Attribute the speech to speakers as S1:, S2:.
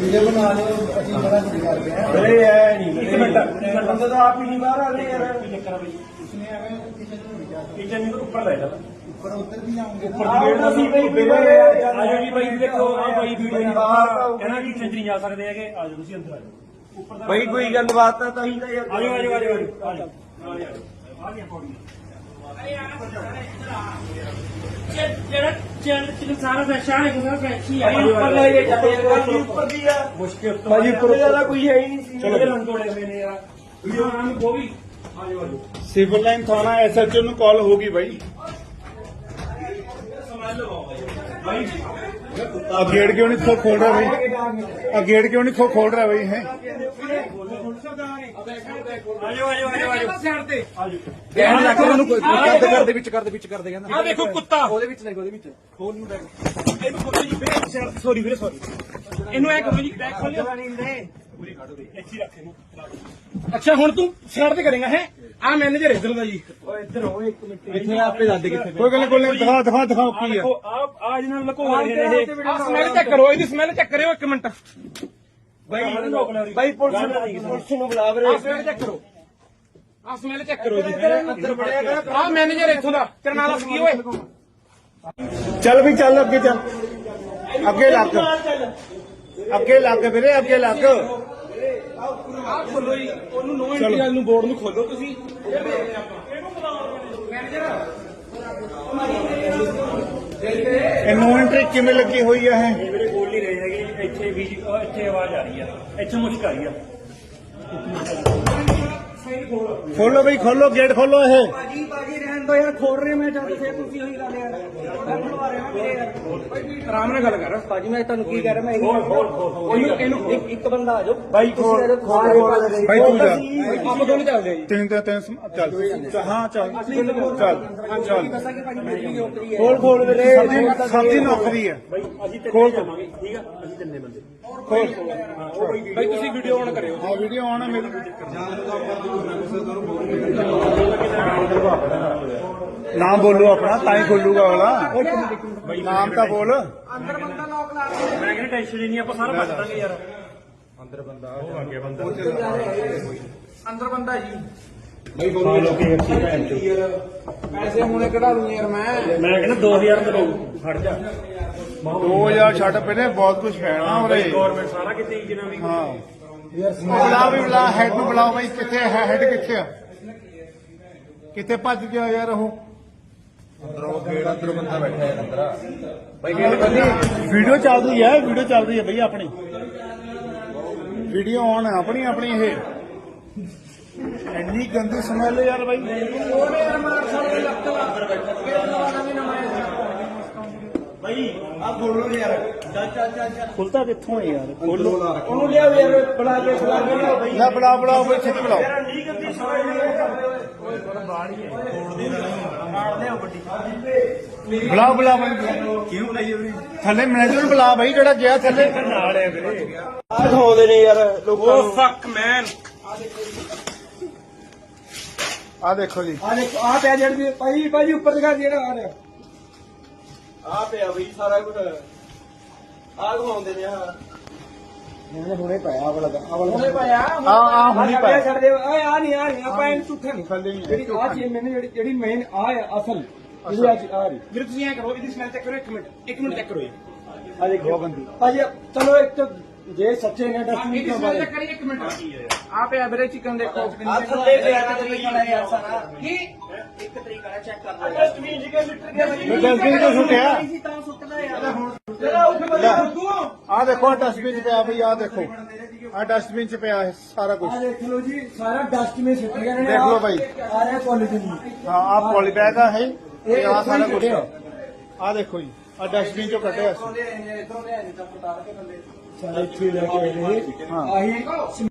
S1: Video ਬਣਾ ਲਿਓ ਅਸੀਂ ਬੜਾ ਕੁਝ ਕਰਦੇ ਹਾਂ।
S2: अरे है नहीं एक मिनट बंदे तो आप ही नहीं बाहर आ रहे यार चक्कर भाई
S1: उसने हमें
S2: किचन में ऊपर ले जाता
S1: ऊपर उतर भी जाऊंगे
S2: ऊपर ਦੀ ਗੇਟ ਅਸੀਂ ਭਾਈ ਵੀਰੇ ਆਜੋ ਜੀ ਭਾਈ ਦੇਖੋ ਆ ਭਾਈ ਵੀਡੀਓ ਨਹੀਂ ਬਾਹਰ ਕਹਿੰਦਾ ਕਿ ਕਿਚਨ ਨਹੀਂ ਜਾ ਸਕਦੇ ਹੈਗੇ ਆਜੋ ਤੁਸੀਂ ਅੰਦਰ ਆਜੋ ਉੱਪਰ ਦਾ ਭਾਈ ਕੋਈ ਗੱਲਬਾਤ ਤਾਂ ਹੀ ਤਾਂ ਯਾਰ ਆਜੋ ਆਜੋ ਆਜੋ ਆਜੋ ਆ ਗਿਆ ਪੌੜੀ
S3: ਜਿਹੜਾ ਚੈਨਲ ਸਾਰਾ ਫੈਸ਼ਨ ਹੈ ਕਿ ਸਾਰਾ ਫੈਸ਼ਨ ਹੀ ਹੈ
S2: ਉੱਪਰ ਲੈ ਕੇ ਜਾਂਦੇ ਉੱਪਰ ਦੀ ਆ ਮੁਸ਼ਕਿਲ ਤੋਂ ਭਾਜੀ ਉੱਪਰ ਜ਼ਿਆਦਾ ਕੋਈ ਹੈ ਹੀ ਨਹੀਂ ਸੀ
S3: ਚਲੋ ਲੰਗੋੜੇ ਹੋਏ ਨੇ ਯਾਰ ਵੀਡੀਓ ਬਣਾਉਣ ਨੂੰ ਉਹ ਵੀ
S2: ਆਜੋ ਆਜੋ
S4: ਸਿਵਲ ਲਾਈਨ ਥਾਣਾ ਐਸਐਚਓ ਨੂੰ ਕਾਲ ਹੋਗੀ ਬਾਈ
S2: ਭਾਈ
S4: ਆ ਗੇਟ ਕਿਉਂ ਨਹੀਂ ਖੋਲ ਰਿਹਾ ਬਾਈ ਆ ਗੇਟ ਕਿਉਂ ਨਹੀਂ ਖੋਲ ਰਿਹਾ ਬਾਈ ਹੈ
S2: ਆਜੋ ਆਜੋ ਆਜੋ ਆਜੋ
S3: ਸਾਈਡ ਤੇ
S1: ਕਹਿਣ ਲੱਗ ਉਹਨੂੰ ਕੋਈ ਕਰਦੇ ਵਿੱਚ ਕਰਦੇ ਕਹਿੰਦਾ
S3: ਆ ਦੇਖੋ ਕੁੱਤਾ
S1: ਉਹਦੇ ਵਿੱਚ ਲੈ ਉਹਦੇ ਵਿੱਚ ਖੋਲ ਨੂੰ ਬੈਗ
S2: ਇਹਨੂੰ ਕੋਲ ਜੀ ਵੀਰੇ ਸੌਰੀ ਵੀਰੇ ਸੌਰੀ
S3: ਇਹਨੂੰ ਐ ਕਰੋ ਜੀ ਬੈਗ ਖੋਲਿਓ
S2: ਪੂਰੀ ਕੱਢ ਦੇ ਇੱਥੇ ਰੱਖ ਇਹਨੂੰ
S3: ਅੱਛਾ ਹੁਣ ਤੂੰ ਸਾਈਡ ਤੇ ਕਰੇਗਾ ਹੈ ਆ ਮੈਨੇਜਰ ਇੱਧਰ ਦਾ ਜੀ
S2: ਓਏ ਇੱਧਰ ਹੋ ਇੱਕ ਮਿੰਟ
S1: ਇੱਥੇ ਆਪੇ ਦੱਸ ਦੇ ਕਿੱਥੇ
S4: ਕੋਈ ਗੱਲ ਨਹੀਂ ਦਿਖਾਓ ਕੀ ਆ
S2: ਆ ਜਿਹਨਾਂ ਲੁਕੋ ਰਹੇ ਨੇ ਇਹ
S3: ਆ ਸਮੈਲ ਚੈੱਕ ਕਰੋ ਇਹਦੀ ਸਮੈਲ ਚੈੱਕ ਕਰਿਓ ਇੱਕ ਮਿੰਟ
S2: ਭਾਈ ਪੁਲਿਸ ਨੂੰ ਬੁਲਾ ਵੀਰੇ
S3: ਆ ਸਮੈਲ ਚੈੱਕ ਕਰੋ ਆ ਸਮੈਲ ਚੈੱਕ ਕਰੋ ਜੀ
S2: ਅੰਦਰ ਬੜਿਆ ਕਰ
S3: ਆ ਮੈਨੇਜਰ ਇੱਥੋਂ ਦਾ ਤੇਰਾ ਨਾਮ ਦੱਸ ਕੀ ਓਏ
S4: ਚੱਲ ਵੀ ਚੱਲ ਅੱਗੇ ਚੱਲ ਅੱਗੇ ਲੱਗ ਵੀਰੇ ਅੱਗੇ ਲੱਗ
S3: ਆ ਖੋਲੋ ਜੀ ਉਹਨੂੰ ਨੋ ਐਂਟਰੀ ਵਾਲ ਨੂੰ ਬੋਰਡ ਨੂੰ ਖੋਲੋ ਤੁਸੀਂ
S4: ਇਹ ਨੋ ਐਂਟਰੀ ਕਿਵੇਂ ਲੱਗੀ ਹੋਈ ਆ ਇਹ
S2: ਇਹ ਵੀਰੇ ਬੋਲ ਨਹੀਂ ਰਹੇ ਹੈਗੇ ਇੱਥੇ ਵੀ ਇੱਥੇ ਆਵਾਜ਼ ਆ ਰਹੀ ਆ ਇੱਥੇ ਮੁਸ਼ਕ ਆ ਰਹੀ ਆ
S4: ਖੋਲੋ ਬਈ ਖੋਲੋ ਗੇਟ ਖੋਲੋ ਇਹ
S1: ਬਾਜੀ ਰਹਿਣ ਦੋ ਯਾਰ ਖੋਲ ਰਹੇ ਮੈਂ ਜਦ ਫੇਰ ਤੁਸੀਂ ਉਹੀ ਗੱਲ ਯਾਰ ਮੈਂ ਖੁਲਵਾ ਰਿਹਾ ਮੇਰੇ ਯਾਰ
S3: ਆਰਾਮ ਨਾਲ ਗੱਲ ਕਰ
S1: ਬਾਜੀ ਮੈਂ ਤੁਹਾਨੂੰ ਕੀ ਕਹਿ ਰਿਹਾ ਮੈਂ
S3: ਇਹਨੂੰ
S1: ਇੱਕ ਬੰਦਾ ਆ ਜਾਓ
S2: ਬਾਈ ਖੋਲ
S4: ਬਾਈ ਤੂੰ ਜਾ
S3: ਆਪਾਂ ਦੋਨੇ ਚੱਲਦੇ ਆ ਜੀ
S4: ਤਿੰਨ ਚੱਲ ਹਾਂ ਚੱਲ
S1: ਦੱਸਾਂ ਕਿ ਭਾਜੀ ਮੇਰੀ ਨੌਕਰੀ ਹੈ
S4: ਖੋਲ ਵੀਰੇ ਸਬਜ਼ੀ ਨੌਕਰੀ ਹੈ
S2: ਬਾਈ ਅਸੀਂ ਤੇ ਜਾਵਾਂਗੇ ਠੀਕ ਆ ਅਸੀਂ ਤਿੰਨੇ ਬੰਦੇ
S4: ਖੋਲ
S3: ਭਾਈ ਤੁਸੀਂ ਵੀਡੀਓ ਆਨ ਕਰਿਓ
S4: ਆ ਵੀਡੀਓ ਆਉਣਾ ਮੇਰੀ ਨਾਮ ਬੋਲੋ ਆਪਣਾ ਤਾਂ ਹੀ ਖੋਲੂਗਾ ਅਗਲਾ ਨਾਮ ਤਾਂ ਬੋਲ
S3: ਅੰਦਰ ਬੰਦਾ ਲੋਕ ਲਾ
S2: ਮੈਂ ਕਹਿੰਦਾ ਟੈਨਸ਼ਨ ਹੀ ਨਹੀਂ ਆਪਾਂ ਸਾਰਾ ਬਚ ਦਾਂਗੇ ਯਾਰ
S3: ਅੰਦਰ ਬੰਦਾ ਜੀ ਪੈਸੇ ਹੁਣੇ ਕਢਾ ਲੂੰ ਯਾਰ ਮੈਂ
S2: ਕਹਿੰਦਾ 2000 ਰੁਪਏ ਫੜ ਜਾ
S4: 2000 ਛੱਡ ਪਹਿਲੇ ਬਹੁਤ ਕੁਝ ਪੈਣਾ ਉਰੇ
S2: ਗਵਰਨਮੈਂਟ ਸਾਰਾ ਕਿਤੇ ਜਿੰਨਾ ਵੀ
S4: ਹਾਂ ਬੁਲਾ ਹੈਡ ਨੂੰ ਬੁਲਾਓ ਬਈ ਕਿੱਥੇ ਹੈ ਹੈਡ ਕਿੱਥੇ ਆ ਕਿੱਥੇ ਭੱਜ ਗਿਆ ਯਾਰ ਉਹ ਵੀਡੀਓ ਚੱਲਦੀ ਹੈ ਬਈ ਆਪਣੀ ਵੀਡੀਓ ਆਨ ਹੈ ਆਪਣੀ ਇਹ ਇੰਨੀ ਗੰਦੀ ਸਮੈਲ ਯਾਰ ਬਾਈ
S2: ਬਾਈ ਆ ਬੋਲੋ ਯਾਰ
S4: ਖੁੱਲਦਾ ਕਿੱਥੋਂ ਹੈ ਯਾਰ ਖੋਲੋ
S2: ਉਹਨੂੰ ਲਿਆਓ ਯਾਰ ਬੁਲਾ ਕੇ ਲਿਆਓ ਬਾਈ
S4: ਨਾ ਬੁਲਾਓ ਬਈ ਛੇਤੀ ਬੁਲਾਓ
S2: ਯਾਰ ਨਹੀਂ ਗੰਦੀ ਸਵਾਈ ਓਏ ਬੜਾ ਬਾੜੀ ਹੈ ਨਾਲ ਲਿਆਓ ਵੱਡੀ
S4: ਬੁਲਾਓ ਬਈ
S2: ਕਿਉਂ ਲਈ ਵੀਰੇ
S4: ਥੱਲੇ ਮੈਨੇਜਰ ਨੂੰ ਬੁਲਾ ਬਈ ਜਿਹੜਾ ਗਿਆ ਥੱਲੇ
S2: ਨਾਲ ਹੈ ਵੀਰੇ ਆ ਦਿਖਾਉਂਦੇ ਨੇ ਯਾਰ ਲੋਕਾਂ
S3: ਓ
S2: ਨੂੰ
S3: ਫੱਕ ਮੈਨ
S4: ਆ ਦੇਖੋ ਜੀ
S1: ਆ ਦੇਖੋ ਆ ਪਿਆ ਜਿਹੜੀ ਭਾਈ ਉੱਪਰ ਦਿਖਾ ਜਿਹੜਾ ਆ ਰਿਹਾ
S2: ਆ ਪਿਆ ਬਈ ਸਾਰਾ ਕੁਝ ਆ ਦਿਖਾਉਂਦੇ ਨੇ ਆ
S1: ਇਹਨੇ ਹੁਣੇ ਪਾਇਆ ਆ ਵਾਲਾ
S3: ਉਹਨੇ ਪਾਇਆ
S4: ਆ ਹੁਣੀ ਪਾਇਆ
S1: ਛੱਡ ਦੇ ਓਏ ਆ ਨਹੀਂ ਆਪਾਂ ਇਹਨੂੰ ਝੂਠਾ ਨਹੀਂ
S4: ਥੱਲੇ ਹੀ
S1: ਜਿਹੜੀ ਆ ਚੀਜ਼ ਮੈਨੂੰ ਜਿਹੜੀ ਮੇਨ ਆ ਅਸਲ ਜਿਹੜੀ ਆ ਰਹੀ
S3: ਵੀਰੇ ਤੁਸੀਂ ਐ ਕਰੋ ਇਹਦੀ ਸਮੈਲ ਚੈੱਕ ਕਰੋ ਇੱਕ ਮਿੰਟ ਚੈੱਕ ਕਰੋ
S1: ਆ ਦੇਖੋ ਬੰਦੀ ਭਾਜੀ ਚਲੋ ਇੱਕ ਤਾਂ ਜੇ ਸੱਚੇ ਨੇ ਡਸਟਬਿਨ
S3: ਇਹਦੀ
S1: ਕਿਉਂ
S3: ਸਮੈਲ
S1: ਬਾਰੇ
S3: ਚੈੱਕ ਕਰੀ ਇੱਕ ਮਿੰਟ ਆ ਪਿਆ ਵੀਰੇ ਚਿਕਨ ਦੇਖੋ
S1: ਆ ਥੱਲੇ ਪਿਆ ਤੇ ਤਰੀਕਾ ਯਾਰ ਸਾਰਾ
S3: ਕੀ
S1: ਇੱਕ ਤਰੀਕਾ ਨਾਲ ਚੈੱਕ ਕਰ ਲਓ
S2: ਡਸਟਬਿਨ ਜਿਹਾ ਲਿਟਰ
S4: ਡਸਟਬਿਨ ਤੋਂ ਸੁੱਟਿਆ
S1: ਤਾਂ ਸੁੱਟਦਾ ਯਾਰ
S3: ਜਰਾ ਉੱਠ ਬੱਲੇ
S4: ਆ ਦੇਖੋ ਡਸਟਬਿਨ ਚ ਪਿਆ ਬਈ ਆ ਦੇਖੋ ਆ ਡਸਟਬਿਨ ਚ ਪਿਆ ਹੈ ਸਾਰਾ ਕੁਝ
S1: ਆ ਦੇਖ ਲਓ ਜੀ ਸਾਰਾ ਡਸਟ ਮੇ ਸਿੱਟ ਗਏ ਨੇ
S4: ਦੇਖ ਲਓ ਭਾਈ।
S1: ਆ ਰਿਹਾ ਪੋਲੀਥੀਨ
S4: ਹਾਂ ਆ ਪੋਲੀ ਬੈਗ ਆ ਹੈ ਇਹ ਆ ਸਾਰਾ ਕੁਝ ਆ ਦੇਖੋ ਜੀ ਆ ਡਸਟਬਿਨ ਚੋਂ ਕੱਢਿਆ ਸੀ
S1: ਇਧਰੋਂ ਲੈ ਨਹੀਂ ਤਾਂ ਉਤਾਰ ਕੇ ਥੱਲੇ ਸਾਰੇ ਇੱਥੇ ਲੈ ਕੇ ਆਏ ਨੇ
S4: ਹਾਂ
S1: ਆਹੀ